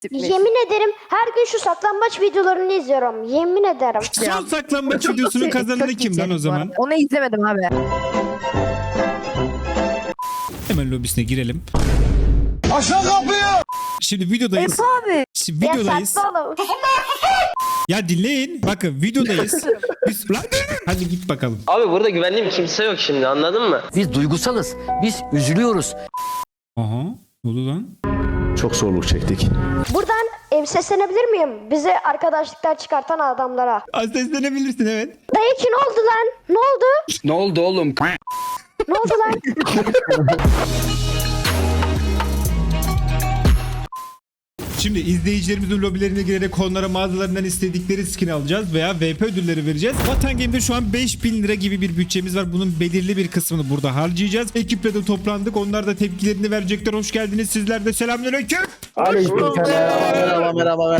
Yemin ederim her gün şu saklambaç videolarını izliyorum. Yemin ederim. Son saklambaç videosunun kazananı kim lan o zaman? Onu izlemedim abi. Hemen lobisine girelim. Aşağı kapıyı! Şimdi videodayız. abi. Şimdi Ya videodayız. saçmalama. Ya dinleyin. Bakın videodayız. Biz... Lan, hadi git bakalım. Abi burada güvendiğim kimse yok şimdi, anladın mı? Biz duygusalız. Biz üzülüyoruz. Aha. Ne oldu lan? Çok zorluk çektik. Buradan seslenebilir miyim? Bize arkadaşlıklar çıkartan adamlara. Seslenebilirsin evet. Dayı ki ne oldu lan? Ne oldu? Ne oldu oğlum? Ne oldu lan? Şimdi izleyicilerimizin lobilerine girerek onlara mağazalarından istedikleri skin alacağız veya VP ödülleri vereceğiz. Vatan Game'de şu an 5000 lira gibi bir bütçemiz var. Bunun belirli bir kısmını burada harcayacağız. Ekiple de toplandık. Onlar da tepkilerini verecekler. Hoş geldiniz. Sizler de selamünaleyküm. Merhaba.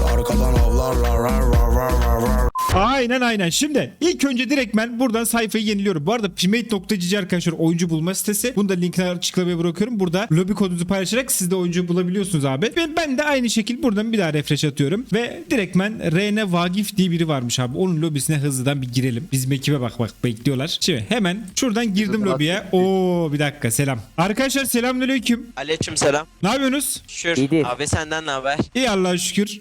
Aynen. Şimdi ilk önce direkt ben buradan sayfayı yeniliyorum. Bu arada Primate.gg arkadaşlar oyuncu bulma sitesi. Bunu da linkini açıklamaya bırakıyorum. Burada lobi kodunuzu paylaşarak siz de oyuncu bulabiliyorsunuz abi. Ve ben de aynı şekilde buradan bir daha refresh atıyorum. Ve direkt ben Rene Vagif diye biri varmış abi. Onun lobisine hızlıdan bir girelim. Bizim ekibe bak bekliyorlar. Şimdi hemen şuradan girdim lobiye. Oo bir dakika selam. Arkadaşlar selamünaleyküm. Aleykümselam. Ne yapıyorsunuz? Şükür. İyidir. Abi senden ne haber? İyi Allah'a şükür.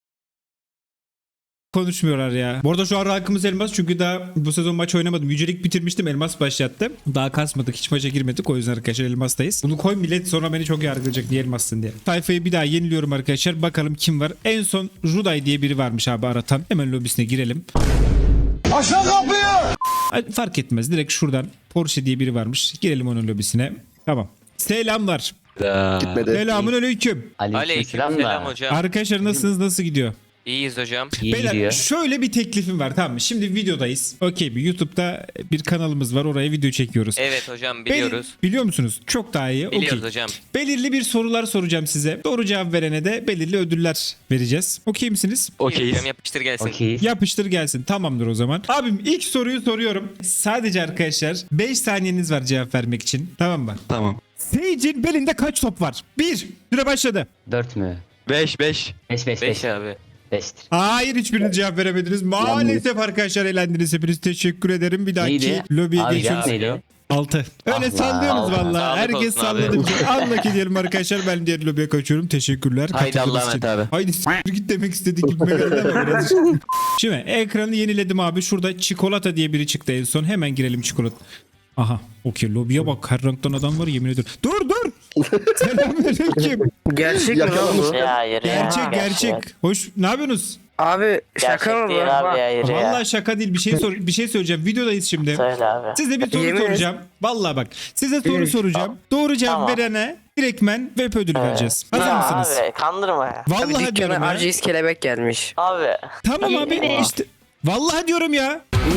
Konuşmuyorlar ya. Bu arada şu an rankımız elmas çünkü daha bu sezon maç oynamadım. Yücelik bitirmiştim, elmas başlattım. Daha kasmadık, hiç maça girmedik, o yüzden arkadaşlar elmastayız. Bunu koy, millet sonra beni çok yargılayacak niye elmassın diye. Sayfayı bir daha yeniliyorum arkadaşlar. Bakalım kim var. En son Ruday diye biri varmış abi aratan. Hemen lobisine girelim. Aşağı kapıyı! Ay, fark etmez, direkt şuradan Porsche diye biri varmış. Girelim onun lobisine. Tamam. Selamlar. Gitmedi. Selamun aleyküm. Aleykümselam hocam. Arkadaşlar nasılsınız? Nasıl gidiyor? İyiyiz hocam. Beyler şöyle bir teklifim var, tamam mı? Şimdi videodayız. Okey, bir YouTube'da bir kanalımız var, oraya video çekiyoruz. Evet hocam, biliyoruz. Biliyor musunuz? Çok daha iyi. Biliyoruz Okey. hocam. Belirli bir sorular soracağım size. Doğru cevap verene de belirli ödüller vereceğiz. Okey misiniz? Okeyiz. Yapıştır gelsin. Yapıştır gelsin. Tamamdır o zaman. Abim ilk soruyu soruyorum. Sadece arkadaşlar 5 saniyeniz var cevap vermek için. Tamam mı? Tamam. Sage'in belinde kaç top var? 1. Süre başladı. 4 mü? 5. 5 5 abi. 5'tir. Hayır, hiçbiriniz cevap veremediniz. Maalesef arkadaşlar eğlendiniz. Hepiniz teşekkür ederim. Bir dahaki Neydi? lobiye Abi geçiyoruz. neydi o? 6. Öyle Allah sallıyorsunuz Allah. valla. Sağlık Herkes olsun abi. salladı. Anlaki diyelim arkadaşlar. Ben diğer lobiye kaçıyorum. Teşekkürler. Haydi Katıldığınız Allah'a için. emanet abi. Haydi s*** git demek istedik. Gitme geldi ama biraz. Şimdi ekranı yeniledim abi. Şurada çikolata diye biri çıktı en son. Hemen girelim çikolata. Aha. Okey, lobiye bak. Her renkten adam var, yemin ediyorum. Dur. Selamünaleyküm. Gerçek mi lan bu? Ya hayır ya. Gerçek. Hoş. Ne yapıyorsunuz? Abi şaka Gerçek mı bu? değil abi, hayır ya. Vallahi şaka değil. Bir şey söyleyeceğim. Videodayız şimdi. Söyle abi. Size bir soru Yemin et. soracağım. Vallahi bak. Size soru Evet. soracağım. Doğru cevap Tamam. verene direktmen VP ödülü vereceğiz. Hazır Ya mısınız? abi kandırma ya. Vallahi Abi diyorum dükkana ya. RGS kelebek gelmiş. Abi. Tamam abi işte. Vallahi diyorum ya.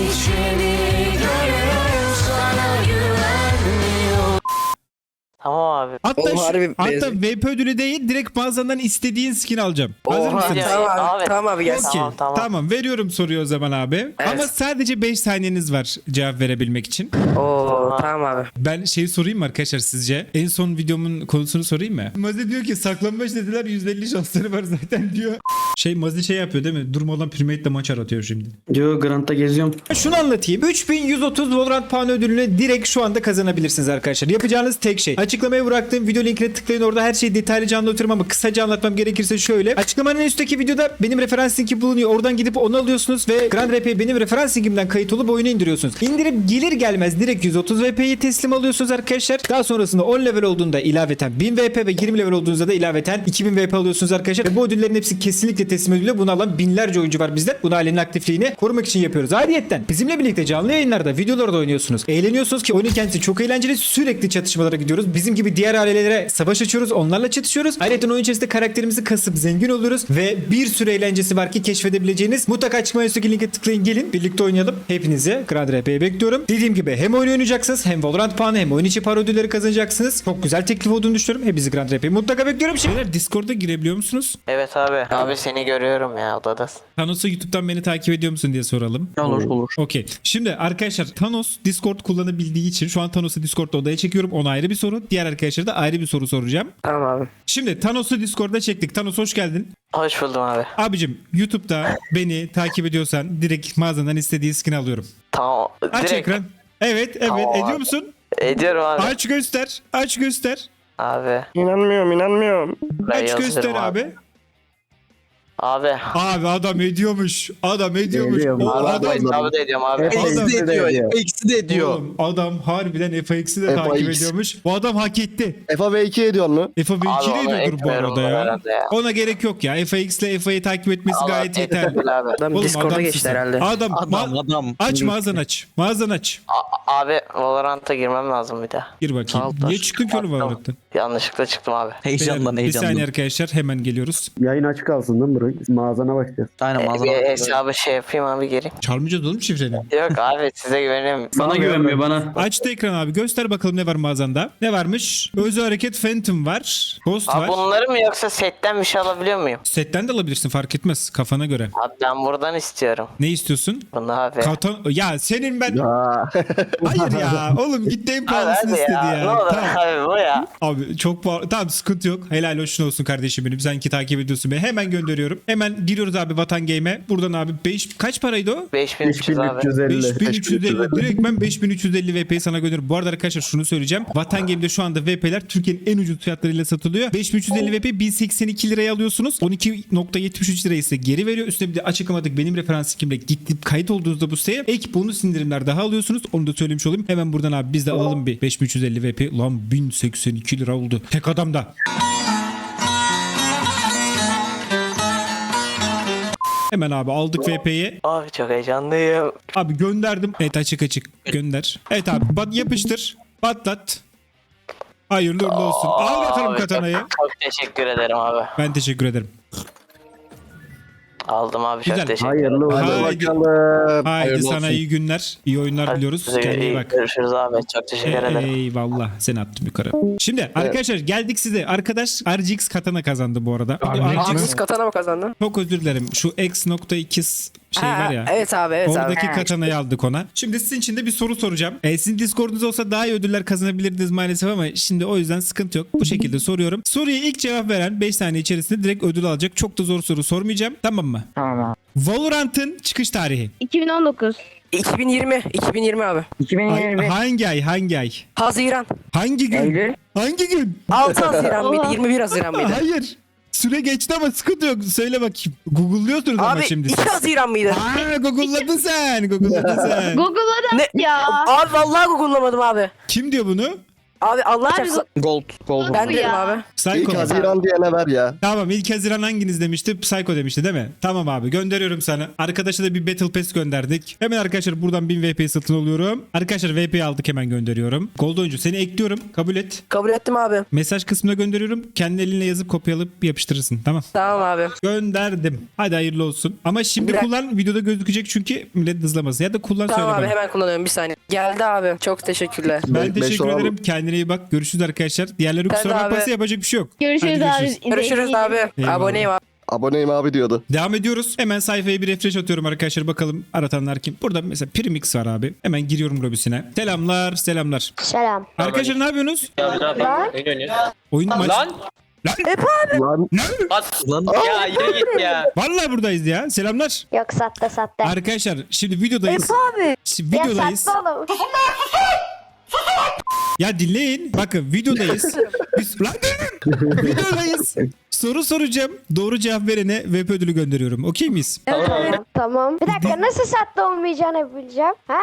Tamam abi. Hatta, Oğlum harbi hatta benziyor. VP ödülü değil, direkt mağazadan istediğin skin alacağım. Hazır Oha, mısınız? Ya, Tamam abi, abi. tamam abi gelsin. Okey. Tamam. Tamam. Veriyorum soruyu o zaman abi. Evet. Ama sadece 5 saniyeniz var cevap verebilmek için. Oo tamam abi. Ben şeyi sorayım mı arkadaşlar sizce? En son videomun konusunu sorayım mı? Mazi diyor ki saklanmaç dediler, %50 şansları var zaten diyor. Mazi şey yapıyor değil mi? Durmadan Primate'le maç aratıyor şimdi. Diyor Grant'ta geziyorum. Şunu anlatayım. 3130 Valorant puanı ödülünü direkt şu anda kazanabilirsiniz arkadaşlar. Yapacağınız tek şey. Açıklamaya bıraktığım video linkine tıklayın. Orada her şeyi detaylıca anlatıyorum ama kısaca anlatmam gerekirse şöyle. Açıklamanın üstteki videoda benim referans linki bulunuyor. Oradan gidip onu alıyorsunuz ve Grand RP'ye benim referans linkimden kayıt olup oyunu indiriyorsunuz. İndirip gelir gelmez direkt 130 VP'yi teslim alıyorsunuz arkadaşlar. Daha sonrasında 10 level olduğunda ilaveten 1000 VP ve 20 level olduğunuzda da ilaveten 2000 VP alıyorsunuz arkadaşlar. Ve bu ödüllerin hepsi kesinlikle teslim ediliyor. Bunu alan binlerce oyuncu var bizde. Bunu ailenin aktifliğini korumak için yapıyoruz. Ayrıyetten bizimle birlikte canlı yayınlarda, videolarda oynuyorsunuz. Eğleniyorsunuz ki oyunun kendisi çok eğlenceli. Sürekli çatışmalara gidiyoruz. Bizim gibi diğer ailelere savaş açıyoruz. Onlarla çatışıyoruz. Ayrıca oyun içerisinde karakterimizi kasıp zengin oluyoruz. Ve bir sürü eğlencesi var ki keşfedebileceğiniz. Mutlaka açıklama üstteki linke tıklayın, gelin. Birlikte oynayalım. Hepinizi Grand RP'ye bekliyorum. Dediğim gibi hem oyun oynayacaksınız, hem Valorant puanı, hem oyun içi para ödülleri kazanacaksınız. Çok güzel teklif olduğunu düşünüyorum. Hepinizi Grand RP'ye mutlaka bekliyorum. Şeyler Discord'a girebiliyor musunuz? Evet abi. Abi senin seni görüyorum ya odadasın. Thanos'u YouTube'dan beni takip ediyor musun diye soralım. Olur. Okey. Şimdi arkadaşlar Thanos Discord kullanabildiği için şu an Thanos'u Discord'da odaya çekiyorum. Ona ayrı bir soru. Diğer arkadaşlara da ayrı bir soru soracağım. Tamam abi. Şimdi Thanos'u Discord'da çektik. Thanos hoş geldin. Hoş buldum abi. Abicim YouTube'da beni takip ediyorsan direkt mağazadan istediği skin alıyorum. Tamam. Aç ekran. Evet Tamam ediyor abi. musun? Ediyorum abi. Aç göster. Aç göster. Abi. İnanmıyorum. Ben Aç yazıyorum göster abi. Abi. Abi adam ediyormuş. Adam ediyormuş. Ediyor. O Abi adam, hesabı da ediyorum abi. Adam- de ediyor. Eksi de ediyor. Oğlum, adam harbiden FX'i de FX. takip ediyormuş. Bu adam hak etti. FAV2 ediyor mu? FA Abi B2 onu ediyordur bu ekmiyorum arada ya. herhalde ya. Ona gerek yok ya. FX ile FA'yı takip etmesi Allah gayet yeterli. yeterli abi. Adam Oğlum, Discord'a adamsın geçti sen. herhalde. Adam, aç mağazanı aç. Mağazanı aç. Abi Valorant'a girmem lazım bir daha. Gir bakayım. Altar. Niye çıktın ki oğlum Valorant'tan? Yanlışlıkla çıktım abi. Beyler, Bir saniye arkadaşlar hemen geliyoruz. Yayın açık kalsın değil mi bro? Mağazana bakacağız. Aynen Bir hesabı şey yapayım abi geri. Çalmayacağız oğlum şifreni. Yok abi size güveniyorum. Bana güvenmiyor bana. Açtı ekran abi. Göster bakalım ne var mağazanda. Ne varmış? Özel hareket Phantom var. Ghost Abi var. bunları mı yoksa setten bir şey alabiliyor muyum? Setten de alabilirsin fark etmez. Kafana göre. Abi ben buradan istiyorum. Ne istiyorsun? Bunu abi. Ya senin ben... Aa. Hayır ya. Oğlum gitti en Abi pahalısını hadi istedi ya. ya. Ne olur Tamam. abi bu ya. Abi çok pahalı. Tamam sıkıntı yok. Helal hoşun olsun kardeşim benim. Sen ki takip ediyorsun beni. Hemen gönderiyorum. Hemen giriyoruz abi Vatan Game'e. Buradan abi kaç paraydı o? 5300 abi. 5350. 5350. Direkt ben 5350 VP'yi sana gönderiyorum. Bu arada arkadaşlar şunu söyleyeceğim. Vatan Game'de şu anda VP'ler Türkiye'nin en ucuz fiyatlarıyla satılıyor. 5350 VP 1082 liraya alıyorsunuz. 12.73 lirayı ise geri veriyor. Üstüne bir de açıklamadık benim referans linkimle gidip kayıt olduğunuzda bu siteye ek bonus indirimler daha alıyorsunuz. Onu da söylemiş olayım. Hemen buradan abi biz de alalım bir 5350 VP. Lan 1082 lira oldu. Tek adamda. Hemen abi aldık VP'yi. Abi çok heyecanlıyım. Abi gönderdim. Evet açık gönder. Evet abi yapıştır. Patlat. Hayırlı uğurlu olsun. Al bakalım Abi, katanayı. Çok teşekkür ederim abi. Ben teşekkür ederim. Aldım abi çok Güzel. teşekkür ederim. Hayırlı olsun. Haydi. Bakalım. Haydi sana iyi günler. İyi oyunlar diliyoruz. Size Kendine iyi iyi bak. görüşürüz abi. Çok teşekkür ederim. Eyvallah. Seni attım yukarı. Şimdi arkadaşlar geldik size. Arkadaş RGX katana kazandı bu arada. Haksız katana mı kazandın? Çok özür dilerim. Şu X.2 şey var ya. Evet abi evet Oradaki abi. katanayı aldık ona. Şimdi sizin için de bir soru soracağım. Sizin Discord'unuz olsa daha iyi ödüller kazanabilirdiniz maalesef ama şimdi o yüzden sıkıntı yok. Bu şekilde soruyorum. Soruya ilk cevap veren 5 saniye içerisinde direkt ödül alacak. Çok da zor soru sormayacağım. Tamam mı? Tamam abi. Valorant'ın çıkış tarihi. 2019. 2020 abi. Hangi ay? Hangi ay? Haziran. Hangi gün? Hangi gün? 6 Haziran mıydı? 21 Haziran mıydı? Hayır. Süre geçti ama sıkıntı yok. Söyle bakayım. Google'lıyorsunuz ama Abi şimdi. 2 Haziran mıydı? Google'ladın sen. Google'ladın sen. Google'da Ne? ya. Abi vallahi Google'lamadım abi. Kim diyor bunu? Abi Allah Abi çarpsın. Gold. Ben dedim ya. abi. Psycho. İlk mu? Haziran diyene ver ya. Tamam ilk Haziran hanginiz demişti? Psycho demişti değil mi? Tamam abi gönderiyorum sana. Arkadaşa da bir Battle Pass gönderdik. Hemen arkadaşlar buradan 1000 VP satın alıyorum. Arkadaşlar VP'yi aldık hemen gönderiyorum. Gold oyuncu seni ekliyorum. Kabul et. Kabul ettim abi. Mesaj kısmına gönderiyorum. Kendi elinle yazıp kopyalayıp yapıştırırsın. Tamam. Tamam abi. Gönderdim. Hadi hayırlı olsun. Ama şimdi Bir dakika. kullan videoda gözükecek çünkü millet hızlamasın. Ya da kullan Tamam söyle abi bana. hemen kullanıyorum bir saniye. Geldi abi. Çok teşekkürler. Ben Beş teşekkür olan- ederim. Kendine iyi bak. Görüşürüz arkadaşlar. Diğerleri Sen kusura de bakmasa abi. yapacak bir şey yok. Görüşürüz Hadi abi. Görüşürüz abi. Eyvallah. Aboneyim abi. Aboneyim abi diyordu. Devam ediyoruz. Hemen sayfaya bir refresh atıyorum arkadaşlar. Bakalım aratanlar kim? Burada mesela Primix var abi. Hemen giriyorum lobisine. Selamlar. Selam. Arkadaşlar ne yapıyorsunuz? Lan. Oyun maç. Lan. Lan Lan. Ya yürü git ya. Vallahi buradayız ya. Selamlar. Yok sattı. Arkadaşlar şimdi videodayız. Abi. Şimdi Ya videodayız. sattı oğlum. Ya dinleyin. Bakın videodayız. Biz lan durun. Videodayız. Soru soracağım. Doğru cevap verene VP ödülü gönderiyorum. Okey miyiz? Tamam. Bir dakika nasıl sattı olmayacağını bileceğim. Ha?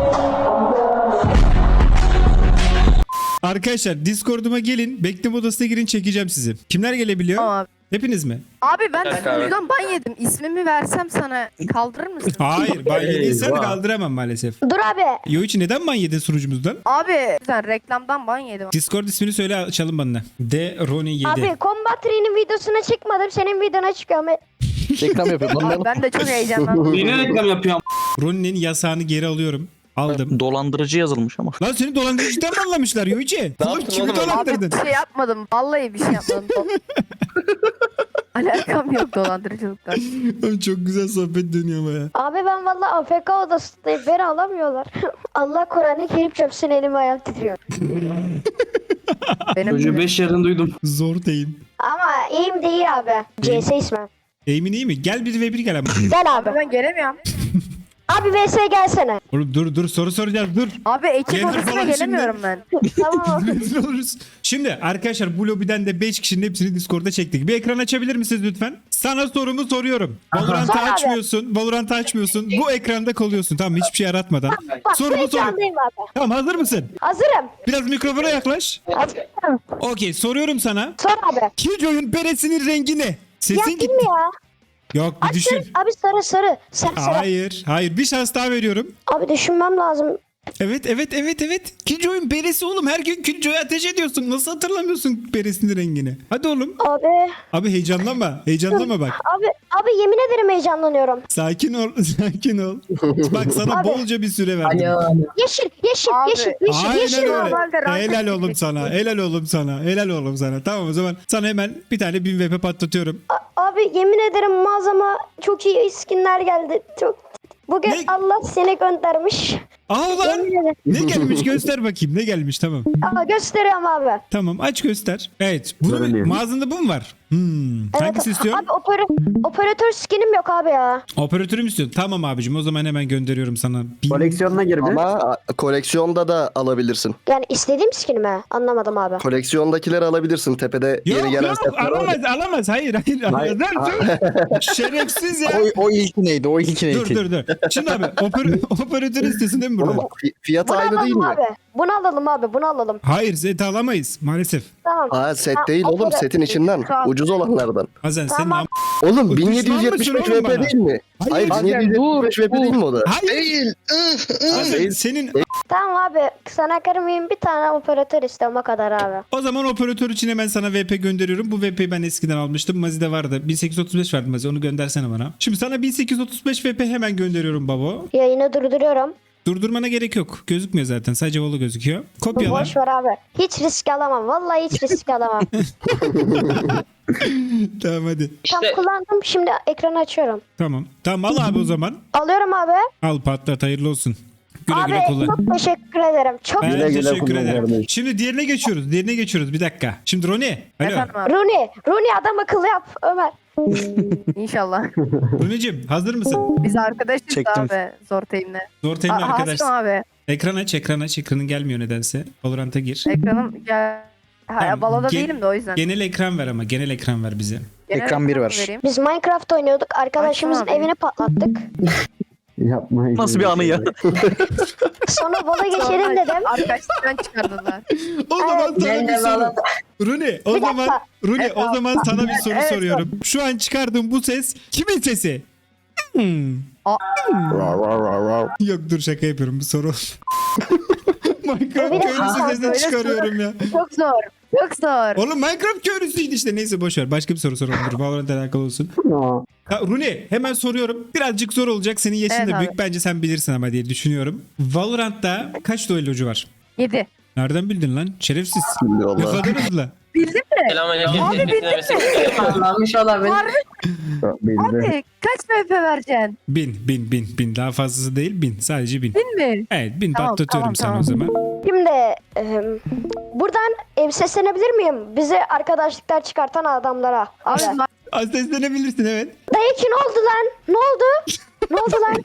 Arkadaşlar Discord'uma gelin. Bekleme odasına girin çekeceğim sizi. Kimler gelebiliyor? Abi. Hepiniz mi? Abi ben dakika abi. sunucudan ban yedim. İsmimi versem sana kaldırır mısın? Hayır. Ben yediysen kaldıramam maalesef. Dur abi. Yoichi neden ban yedin sunucumuzdan? Abi sen reklamdan ban yedim. Discord ismini söyle açalım bana. De Roni 7. Abi Combat Tree'nin videosuna çıkmadım. Senin videona çıkıyorum. Reklam yapıyor. Abi ben de çok heyecanlandım. Yine reklam yapıyorum. Roni'nin yasağını geri alıyorum. Aldım. Dolandırıcı yazılmış ama. Lan seni dolandırıcıdan mı anlamışlar Yoichi? Oğlum yaptın kimi oğlum? Abi dolandırdın? bir şey yapmadım. Vallahi bir şey yapmadım. Alakam yok dolandırıcılıktan. Oğlum çok güzel sohbet dönüyor ama ya. Abi ben valla AFK odasındayım. Beni alamıyorlar. Allah Kur'an'ı Kerim çöpsün, elim ayağım titriyor. Benim Çocuğu 5 yerden duydum. Zor deyim. Ama iyiyim değil abi. CS ismi. Emin iyi mi? Gel bir ve bir gel ama. Gel abi. ben gelemiyorum. Abi VS gelsene. Oğlum dur soru soracağız dur. Abi ekip Gelir odasına falan gelemiyorum ben. Tamam. Rezil oluruz. Şimdi arkadaşlar bu lobiden de 5 kişinin hepsini Discord'da çektik. Bir ekran açabilir misiniz lütfen? Sana sorumu soruyorum. Valorant'ı Sor abi. açmıyorsun. Valorant'ı açmıyorsun. Bu ekranda kalıyorsun. Tamam hiçbir şey aratmadan. Bak bu Sorumu soruyorum. ekrandayım abi. Tamam hazır mısın? Hazırım. Biraz mikrofona yaklaş. Hazırım. Okey soruyorum sana. Sor abi. Killjoy'un beresinin rengi ne? Ya Sesin kim gitti. ya? Yok bir düşün. Abi sarı sarı. Sarı sarı. Hayır bir şans daha veriyorum. Abi düşünmem lazım. Evet. Killjoy'un beresi oğlum. Her gün Killjoy'a ateş ediyorsun. Nasıl hatırlamıyorsun beresinin rengini? Hadi oğlum. Abi. Abi heyecanlanma. Heyecanlanma bak. Abi yemin ederim heyecanlanıyorum. Sakin ol. Bak sana Abi. bolca bir süre verdim. Yeşil Abi. yeşil. Aynen normalde öyle. rank Helal oğlum açık sana. Helal oğlum sana. Tamam o zaman sana hemen bir tane 1000 VP patlatıyorum. Abi yemin ederim mağazama çok iyi skinler geldi. Bugün Ne? Allah seni göndermiş. Aa lan. Yemin ederim. Ne gelmiş göster bakayım. Ne gelmiş tamam. Aa, gösteriyorum abi. Tamam aç göster. Evet. Görünüyor. Mağazında bu mu var? Hangisini istiyorsun? Abi operatör skinim yok abi ya. Operatörü mü istiyorsun? Tamam abicim o zaman hemen gönderiyorum sana. Koleksiyonuna gir bir. Ama koleksiyonda da alabilirsin. Yani istediğim skinimi anlamadım abi. Koleksiyondakileri alabilirsin. Tepede yeni gelen setler var. alamaz hayır. Hayır. Dur. Şerefsiz ya. O ilki neydi? O ilki neydi? Dur. Şimdi abi operatörü istiyorsun değil mi Oğlum burada? fiyat Bunu aynı değil alalım mi? abi. Bunu alalım. Hayır set alamayız maalesef. Tamam. Aa set Ha, değil oğlum opera- setin içinden. Tamam. Ucuz olanlardan. Hazen senin Tamam. Oğlum Düşman 1775 mısın oğlum VP bana? değil mi? Hayır, Hayır 1775 VP değil mi o da? Hayır. Hazen Değil. senin Tamam abi. Sana kırmayayım, bir tane operatör istiyorum o kadar abi. o zaman operatör için hemen sana VP gönderiyorum. Bu VP'yi ben eskiden almıştım. Mazi'de vardı. 1835 verdim Mazi. Onu göndersene bana. Şimdi sana 1835 VP hemen gönderiyorum babo. Yayını durduruyorum. Durdurmana gerek yok. Gözükmüyor zaten. Sadece volu gözüküyor. Kopyala. Boş ver abi. Hiç risk alamam. Vallahi hiç risk alamam. Tamam hadi. Tam kullandım. Şimdi ekranı açıyorum. Tamam al abi o zaman. Alıyorum abi. Al patlat hayırlı olsun. Güle Abi güle kullan. çok teşekkür ederim. Çok Ben Güle güle teşekkür kullan ederim. kardeşim. Şimdi diğerine geçiyoruz. Bir dakika. Şimdi Roni. Alo. Efendim abi. Rooney adam akıllı yap Ömer. İnşallah. Roni'cim hazır mısın? Biz arkadaşız Çektim. abi zor teamle. Zor temin arkadaş. Hasim abi. Ekran aç. Ekranın gelmiyor nedense. Valorant'a gir. Ekranım gel. Tamam, Baloda gen- değilim de o yüzden. Genel ekran ver ama. Genel ekran ver bize. Genel ekran bir ekranı ver. vereyim. Biz Minecraft oynuyorduk. Arkadaşımızın Açsana abi. evini patlattık. Yapma. Nasıl bir anı ya? Sonra bola geçelim dedim. Arkadaşlıktan çıkardılar. O zaman sana bir soru. Runi o Bir zaman dakika. Runi o zaman sana bir soru Evet, soruyorum. Şu an çıkardığım bu ses kimin sesi? Yok dur şaka yapıyorum bu soru. Minecraft Bir dakika. köylüsü Böyle sesini çıkarıyorum ya. Çok zor. Çok zor. Oğlum Minecraft köylüsüydü işte neyse boşver. Başka bir soru soralım. Dur Valorant'la alakalı olsun. Aa, Ha, Runi hemen soruyorum. Birazcık zor olacak. Senin yaşın Evet da abi. büyük. Bence sen bilirsin ama diye düşünüyorum. Valorant'ta kaç duellocu var? 7. Nereden bildin lan? Şerefsiz. Şimdi Ne valla. kadar hızlı. Bildin mi? Selamünaleyküm. Abi bildin mi? Anlamış olabilir. belli. Abi kaç MP vereceksin? 1000. Daha fazlası değil 1000. Sadece 1000. 1000 mi? Evet 1000 Tamam, patlatıyorum tamam, sana o zaman. Şimdi buradan seslenebilir miyim? Bizi arkadaşlıklar çıkartan adamlara. Abi. Abi Az seslenebilirsin evet. Dayı ki ne oldu lan? Ne oldu? Ne oldu lan?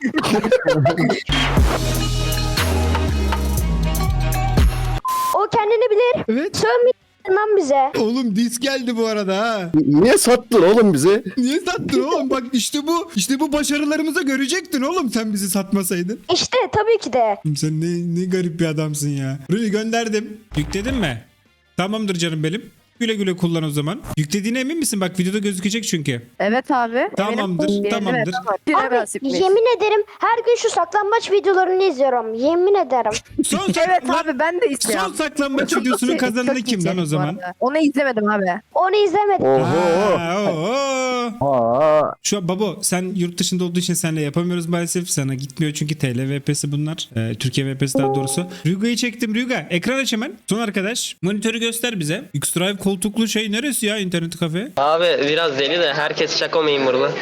O kendini bilir. Evet. Sövmeyin lan bize. Oğlum disk geldi bu arada ha. Niye sattın oğlum bizi? Niye sattın oğlum? Bak işte bu başarılarımıza görecektin oğlum sen bizi satmasaydın. İşte tabii ki de. Sen ne garip bir adamsın ya. Runi gönderdim. Yükledin mi? Tamamdır canım benim. Güle güle kullan o zaman. Yüklediğine emin misin? Bak videoda gözükecek çünkü. evet abi. Tamamdır, eminim. tamamdır. Abi yemin ederim her gün şu saklambaç videolarını izliyorum. Yemin ederim. Evet abi ben de izliyorum. Son saklambaç videosunun kazananı Çok kim lan içerik o bu zaman? arada. Onu izlemedim abi. Onu izlemedim. Oho. Aa, oo. Aa, Şu an babo sen yurt dışında olduğu için seninle yapamıyoruz maalesef. Sana gitmiyor çünkü TL VP'si bunlar. Türkiye VP'si daha doğrusu. Rüga'yı çektim. Rüga ekran aç hemen. Son arkadaş. Monitörü göster bize. X-Drive koltuklu şey neresi ya internet kafe? Abi biraz deli de herkes şako memurlu.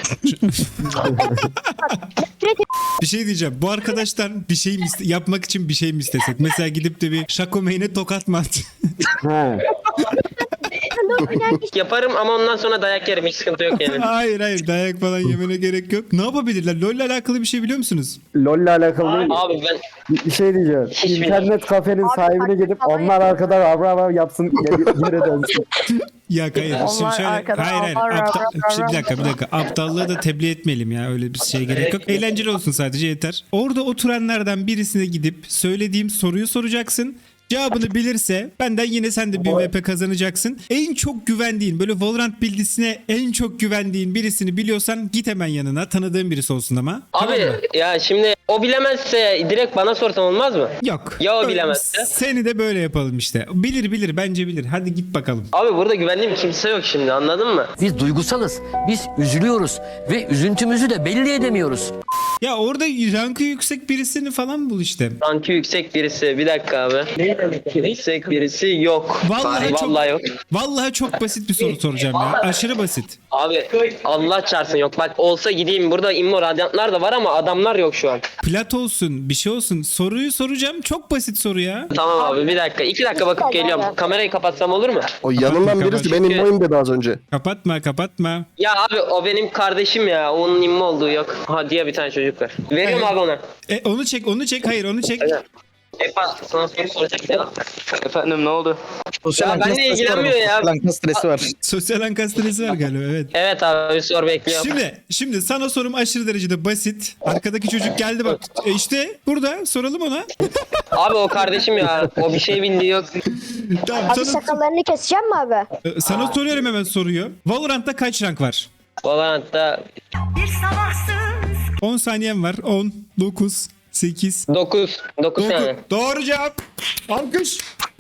Bir şey diyeceğim. Bu arkadaştan bir şey mi yapmak için bir şey mi istesek? Mesela gidip de bir şakomeyne tokat mı at? He. Yaparım ama ondan sonra dayak yerim. Hiç sıkıntı yok yani. Hayır dayak falan yemene gerek yok. Ne yapabilirler? LoL'le alakalı bir şey biliyor musunuz? LoL'le alakalı değil. Abi ben Bir şey diyeceğim. Hiçbir- İnternet kafenin sahibine gidip onlar arkadan avra yapsın geri dönsün. Ya hayır. Şimdi Onlar şöyle. arkadan Hayır. Şimdi bir dakika. Aptallığı da tebliğ etmeyelim ya. Öyle bir şeye gerek yok. Eğlenceli olsun sadece yeter. Orada oturanlardan birisine gidip söylediğim soruyu soracaksın. Cevabını bilirse benden yine sen de bir VP kazanacaksın. En çok güvendiğin böyle Valorant bildisine en çok güvendiğin birisini biliyorsan git hemen yanına. Tanıdığın birisi olsun ama. Tamam abi mı? ya şimdi o bilemezse direkt bana sorsan olmaz mı? Yok. Ya o Öyle- bilemezse? Seni de böyle yapalım işte. Bilir bence bilir. Hadi git bakalım. Abi burada güvendiğim kimse yok şimdi anladın mı? Biz duygusalız. Biz üzülüyoruz ve üzüntümüzü de belli edemiyoruz. Ya orada rankı yüksek birisini falan bul işte. Rankı yüksek birisi. Bir dakika abi. Yüksek birisi yok. Vallahi çok- yok. Vallahi çok basit bir soru soracağım ya. Aşırı basit. Abi Allah çarpsın yok. Bak olsa gideyim burada immo radyantlar da var ama adamlar yok şu an. Plat olsun, bir şey olsun. Soruyu soracağım. Çok basit soru ya. Tamam abi bir dakika. 2 dakika bakıp geliyorum. Kamerayı kapatsam olur mu? O yanından birisi benim boyum dedi az önce. Kapatma. Ya abi o benim kardeşim ya. Onun immo olduğu yok. Ha diye bir tane çocuk var. Veriyorum abi ona. Onu çek. Hayır onu çek. Evet. Efa sana soru soracak ya. Efendim ne oldu? Sosyal Ya anka benimle stresi var. ilgilenmiyor ya. Sosyal anka stresi var. Sosyal ankastresi var galiba evet. Evet abi bir soru bekliyorum. Şimdi sana sorum aşırı derecede basit. Arkadaki çocuk geldi bak. İşte burada soralım ona. Abi o kardeşim ya. O bir şey bildiği yok. Tamam Abi sakallarını keseceğim mi abi? sana soruyorum hemen soruyu. Valorant'ta kaç rank var? Valorant'ta 10 saniyem var. 10, 9, 8, 9 tane. Doğru cevap. Alkış.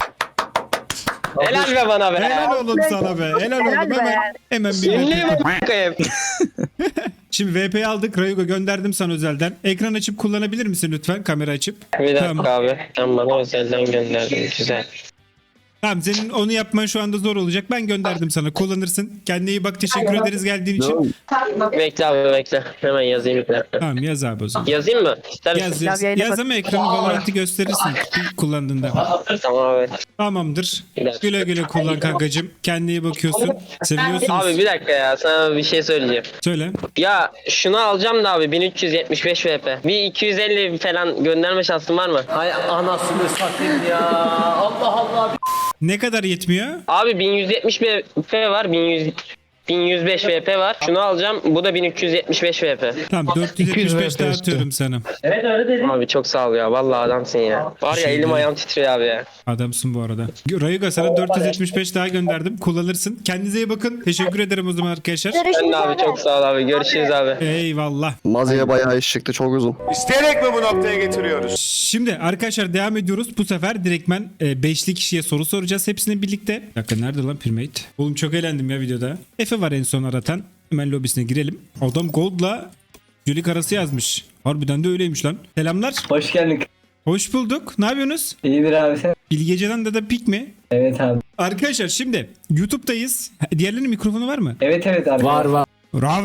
Helal be bana be. Helal oğlum sana be. Helal oğlum be. hemen bir Ünlüyüm VP. bakayım. Şimdi VP'yi aldık. Rayugo gönderdim sana özelden. Ekran açıp kullanabilir misin lütfen? Kamera açıp. Bir dakika Tamam. abi. Sen bana özelden gönderdin. Güzel. Tamam senin onu yapman şu anda zor olacak. Ben gönderdim sana. Kullanırsın. Kendine iyi bak. Teşekkür ederiz geldiğin için. Bekle abi bekle. Hemen yazayım bir dakika. Tamam yaz abi o zaman. Yazayım mı? İster misin? Yaz. yayına Yaz bak. ama ekranı Valorant'ı gösterirsin kullandığında. Tamam abi. Tamamdır. Bir dakika. Güle güle kullan kankacığım. Kendine iyi bakıyorsun. Seviyorsunuz. Abi bir dakika ya. Sana bir şey söyleyeceğim. Söyle. Ya şunu alacağım da abi 1375 VP. Bir 250 falan gönderme şansın var mı? Hay anasını satayım ya. Allah Allah. Ne kadar yetmiyor? Abi 1170 VP var. 1105 VP var. Şunu alacağım. Bu da 1375 VP. Tamam 475 daha atıyorum sana. Abi çok sağ ol ya. Vallahi adamsın ya. Var ya elim ayağım titriyor abi ya. Adamsın bu arada. Rayuga sana 475 daha gönderdim. Kullanırsın. Kendinize iyi bakın. Teşekkür ederim o zaman arkadaşlar. Ben Görüşürüz de abi çok sağ ol abi. Görüşürüz abi. Eyvallah. Maziye bayağı iş çıktı çok uzun. İsteyerek mi bu noktaya getiriyoruz? Şimdi arkadaşlar devam ediyoruz. Bu sefer direktmen 5'li kişiye soru soracağız hepsini birlikte. Bir dakika nerede lan Primate? Oğlum çok eğlendim ya videoda. Efe var en son aratan. Hemen lobisine girelim. Adam Gold'la Jülik arası yazmış. Harbiden de öyleymiş lan. Selamlar. Hoş geldin. Hoş bulduk. Ne yapıyorsunuz? İyidir abi sen. Bilgece'den de pik mi? Evet abi. Arkadaşlar şimdi YouTube'dayız. Diğerlerinin mikrofonu var mı? Evet abi. Var. Rav.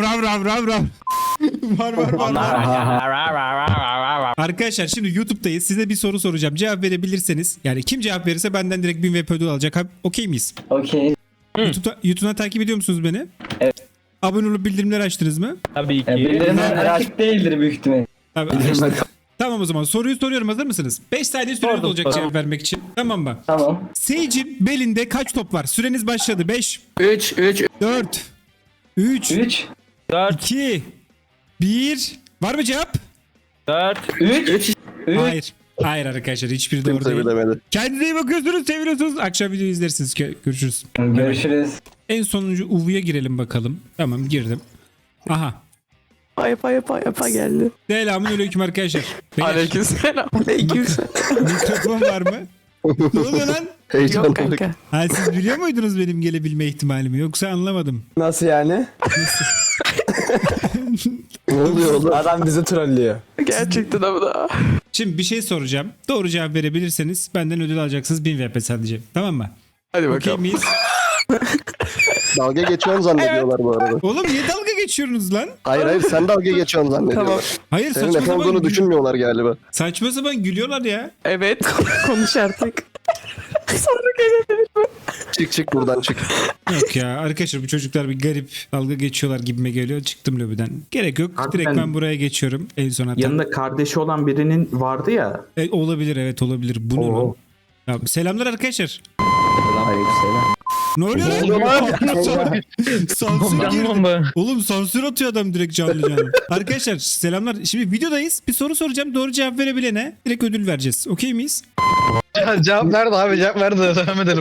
var. Arkadaşlar şimdi YouTube'dayız. Size bir soru soracağım. Cevap verebilirseniz yani kim cevap verirse benden direkt 1000 VP ödül alacak. Okey miyiz? Okey. YouTube'dan takip ediyor musunuz beni? Evet. Abone olup bildirimleri açtınız mı? Bildirimler açık değildir büyük ihtimalle. Tabii, açtım. Tamam o zaman soruyu soruyorum. Hazır mısınız? 5 saniye süreniz olacak cevap vermek için. Tamam mı? Tamam. Sage'in belinde kaç top var? Süreniz başladı. 5, 3 4, 3, 3. 2, 1. Var mı cevap? 3. Hayır arkadaşlar hiçbiri doğru Kimse değil. bilemedi. Kendinize iyi bakıyorsunuz, seviyorsunuz. Akşam video izlersiniz. Görüşürüz. Görüşürüz. En sonuncu UV'ye girelim bakalım. Tamam girdim. Aha. Yapa geldi. Selamünaleyküm arkadaşlar. Aleykümselam. Mikrofon var mı? Ne oluyor lan? Heyecanlılık. Ha siz biliyor muydunuz benim gelebilme ihtimalimi? Yoksa anlamadım. Nasıl yani? Ne oluyor oğlum? Adam bizi trollüyor. Gerçekten ama da. Şimdi bir şey soracağım. Doğru cevap verebilirseniz benden ödül alacaksınız 1000 VP sadece. Tamam mı? Hadi Okey bakalım. miyiz? Dalga geçiyorsun zannediyorlar bu arada. Oğlum niye dalga geçiyorsunuz lan? Hayır sen dalga geçiyorsun zannediyorlar. Hayır Senin saçma Efe olduğunu sapan, düşünmüyorlar galiba. saçma sapan gülüyorlar ya. Evet. Konuş artık. Çık buradan çık. Yok ya arkadaşlar bu çocuklar bir garip dalga geçiyorlar gibime geliyor. Çıktım lobiden. Gerek yok. Abi Direkt ben- ben buraya geçiyorum. En son hatta. Yanında kardeşi olan birinin vardı ya. Olabilir evet olabilir. Bu ne lan? Ya, selamlar arkadaşlar. Ne oluyor lan? Sansür girdi. Oğlum sansür atıyor adam direkt canlı canlı. Arkadaşlar selamlar. Şimdi videodayız. Bir soru soracağım. Doğru cevap verebilene direkt ödül vereceğiz. Okey miyiz? Cevap nerede abi? Cevap nerede? Devam edelim.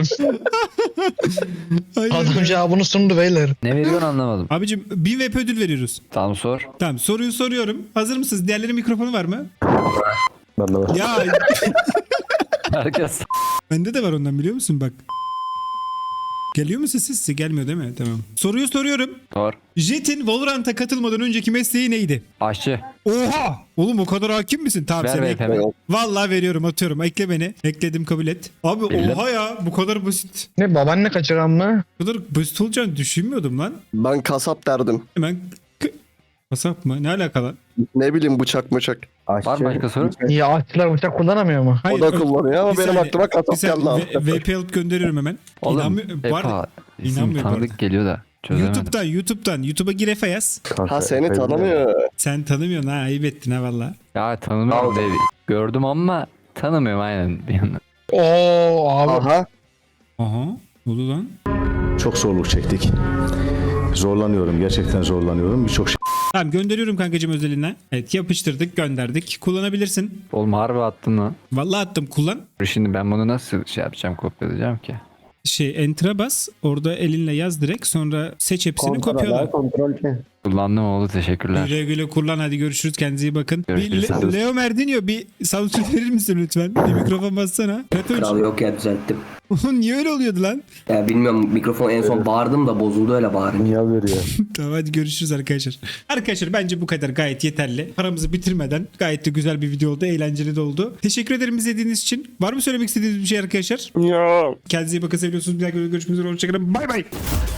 Aynen. cevabını sundu beyler. Ne veriyorsun anlamadım. Abicim 1000 VP ödül veriyoruz. Tamam sor. Tamam soruyu soruyorum. Hazır mısınız? Diğerlerinin mikrofonu var mı? Ben de var. Ya Herkes. bende de var ondan biliyor musun bak. Geliyor mu sesi? Size gelmiyor değil mi? Tamam. Soruyu soruyorum. Sor. Jet'in Valorant'a katılmadan önceki mesleği neydi? Aşçı. Oha! Oğlum o kadar hakim misin? Tamam Ver seni VP'mi. Vallahi veriyorum atıyorum. Ekle beni. Ekledim kabul et. Abi Bildim. oha ya bu kadar basit. Ne babaanne kaçıran mı? Bu kadar basit olacağını düşünmüyordum lan. Ben kasap derdim. Hemen kasap mı? Ne alakalı? Ne bileyim bıçak mıçak. Var mı başka soru? Niye ağaççılar bıçak kullanamıyor mu? O da kullanıyor ama bir benim saniye, aklıma bir kasap saniye. geldi abi. VP alıp gönderiyorum hemen. Oğlum Var mı? isim İnanmıyorum bu tanıdık arada. geliyor da. Çözemedim. YouTube'dan Youtube'a gir Efe yaz. Ha seni tanımıyor. Sen tanımıyorsun ha ayıp ettin ha valla. Ya tanımıyorum dedi. Gördüm ama tanımıyorum aynen bir yandan. Oo abi. Aha. Aha. Ne oldu lan? Çok zorluk çektik. Zorlanıyorum. Gerçekten zorlanıyorum. Birçok şey. Tamam gönderiyorum kankacığım özeline. Evet yapıştırdık gönderdik. Kullanabilirsin. Oğlum harbi attın lan. Vallahi attım kullan. Şimdi ben bunu nasıl şey yapacağım, kopyalayacağım ki? Enter'a bas. Orada elinle yaz direkt. Sonra seç hepsini kopyala. Kontrol ki. Kullandım oldu, teşekkürler. Güle güle kullan hadi görüşürüz kendinize iyi bakın. Görüşürüz. Leo Merdinho bir sansür verir misin lütfen? Bir mikrofon bassana. Kral yok ya düzelttim. Niye öyle oluyordu lan? Ya bilmiyorum mikrofon en son bağırdım da bozuldu öyle bağırınca. Niye veriyor? Tamam hadi görüşürüz arkadaşlar. Arkadaşlar bence bu kadar gayet yeterli. Paramızı bitirmeden gayet de güzel bir video oldu. Eğlenceli de oldu. Teşekkür ederim izlediğiniz için. Var mı söylemek istediğiniz bir şey arkadaşlar? Ya. Kendinize iyi bakın seviyorsunuz. Bir daha görüşmek üzere. Hoşçakalın. Bay bay.